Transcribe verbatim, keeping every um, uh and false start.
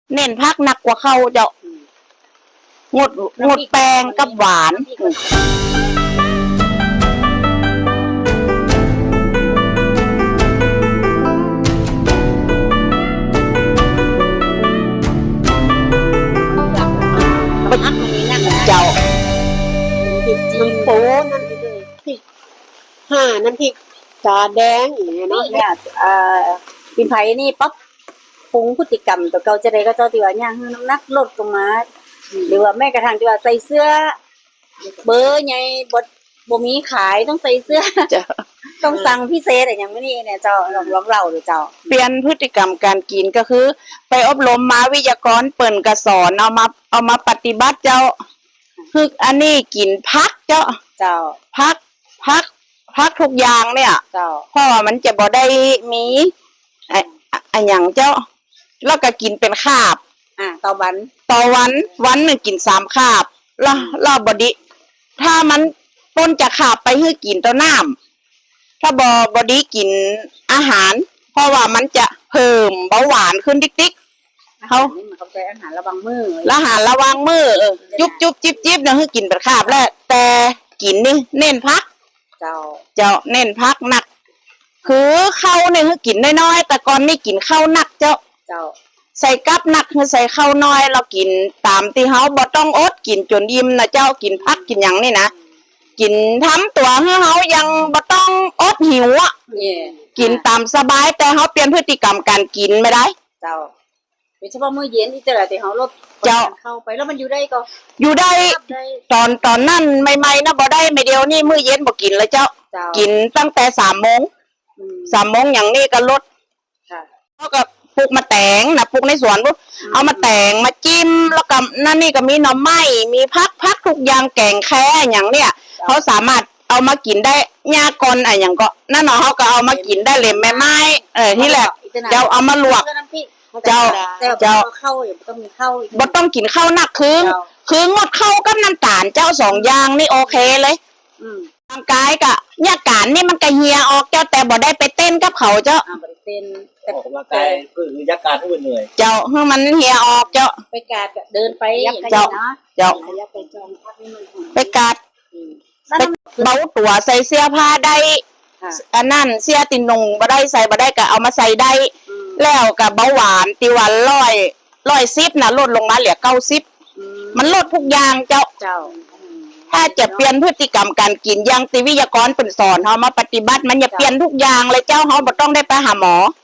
เน้นพักหนักกว่าเขาเจ้างดงดแป้งกับหวานพักมันมีนั่นเจ้าพริกจีนโป้นั่นเลยพริกห่าน้ำพริกตาแดงอย่างเงี้ยเนาะเนี่ยเอ่อปินไผ่นี่ปั๊บปรุงพฤติกรรมตัวเก่าจะได้ก็เจ้าที่ว่าย่างให้น้ำหนักลดลงมาหรือว่าแม้กระทั่งที่ว่าใส่เสื้อเบอร์ใหญ่บ่บ่มีขายต้องใส่เสื้อเจ้าต้องสั่งพิเศษอะไรอย่างนี้เนี่ยเจ้าลองลองเล่าดูเจ้าเปลี่ยนพฤติกรรมการกินก็คือ ไปอบรมมาวิทยากรเปิ่นกระสอนเอามาเอามาปฏิบัติเจ้าคืออันนี้กินพักเจ้าเจ้าพักพักพักทุกอย่างเนี่ยเจ้าเพราะว่ามันจะบ่ได้มีไอ้ไอ้หยังเจ้าแล้วก็กินเป็นคาบอ่าต่อวันต่อวันวันหนึ่งกินสามคาบแล้วแล้วบดีถ้ามันต้นจะขาบไปให้กินต่อน้ำถ้าบอบดีกินอาหาร เพราะว่ามันจะเพิ่มเบาหวานขึ้นติ๊กๆเขานี่มันเขาใจอาหารระวังมือละหารระวังมือเออจุบจุบจิบจิบนะให้กินเป็นคาบแล้วแต่กินนี่เน้นพักเจ้าเจ้าเน้นพักหนัก คือข้าวเนี่ยให้กินน้อยๆแต่ก่อนนี่กินข้าวหนักเจ้าเจ้าใส่กับหนักคือใส่ข้าวน้อยเรากินตามที่เฮาบ่ต้องอดกินจนอิ่มนะเจ้ากินพักกินหยังนี่นะกินทำตัวให้เฮายังบ่ต้องอดหิวอ่ะเนี่ยกินตามสบายแต่เฮาเปลี่ยนพฤติกรรมการกินไม่ได้เจ้าโดยเฉพาะมื้อเย็นที่แต่ละที่เขาลดเจ้าเข้าไปแล้วมันอยู่ได้ก็อยู่ได้ได้ตอนตอนนั้นใหม่ๆนะบ่ได้ไม่เดียวนี่มื้อเย็นบ่กินเลยเจ้าเจ้ากินตั้งแต่สามโมงอืมสามโมงอย่างนี้ก็ลดค่ะเฮาก็ปลูกมาแตงนะปลูกในสวนปุ๊บเอามาแตงมาจิ้มแล้วก็นั่นนี่ก็มีหน่อไม้มีพักพักทุกอย่างแกงแค่อย่างเนี้ยเขาสามารถเอามากินได้หญ้ากอนอะไรอย่างก็นั่นเนาะเขาก็เอามากินได้เลยแม่ไม้เออที่แหละเจ้าเอามาลวก เจ้าเจ้าเจ้าเข้าอย่าต้องมีเข้าอีกบ่ต้องกินข้าวหนักคือเจ้าคืองดข้าวกับน้ำตาลเจ้าสองอย่างนี่โอเคเลยอืมร่างกายก็เนี่ยการนี่มันก็เหี่ยออกเจ้าแต่บ่ได้ไปเต้นกับเขาเจ้าอ่าบริเป็นแต่ออกกำลังกายคือยักการให้มันเหนื่อยเจ้าให้มันเหี่ยออกเจ้าไปกาดเดินไปอย่างนี้เจ้าเนาะเจ้าขยับไปจองพักนี่มันหอมไปกัดอืมไปเบาตัวใส่เสื้อผ้าได้ค่ะอันนั้นเสื้อตินงบ่ได้ใส่บ่ได้ก็เอามาใส่ได้อืมแล้วกับเบาหวานติวันร้อยร้อยสิบนะลดลงมาเหลือเก้าสิบอืมมันลดทุกอย่างเจ้าเจ้าถ้าจะเปลี่ยนพฤติกรรมการกินอย่างติวิทยากรเป็นสอนเฮามาปฏิบัติมันอย่าเปลี่ยนทุกอย่างเลยเจ้าเฮาบ่ต้องได้ไปหาหมอ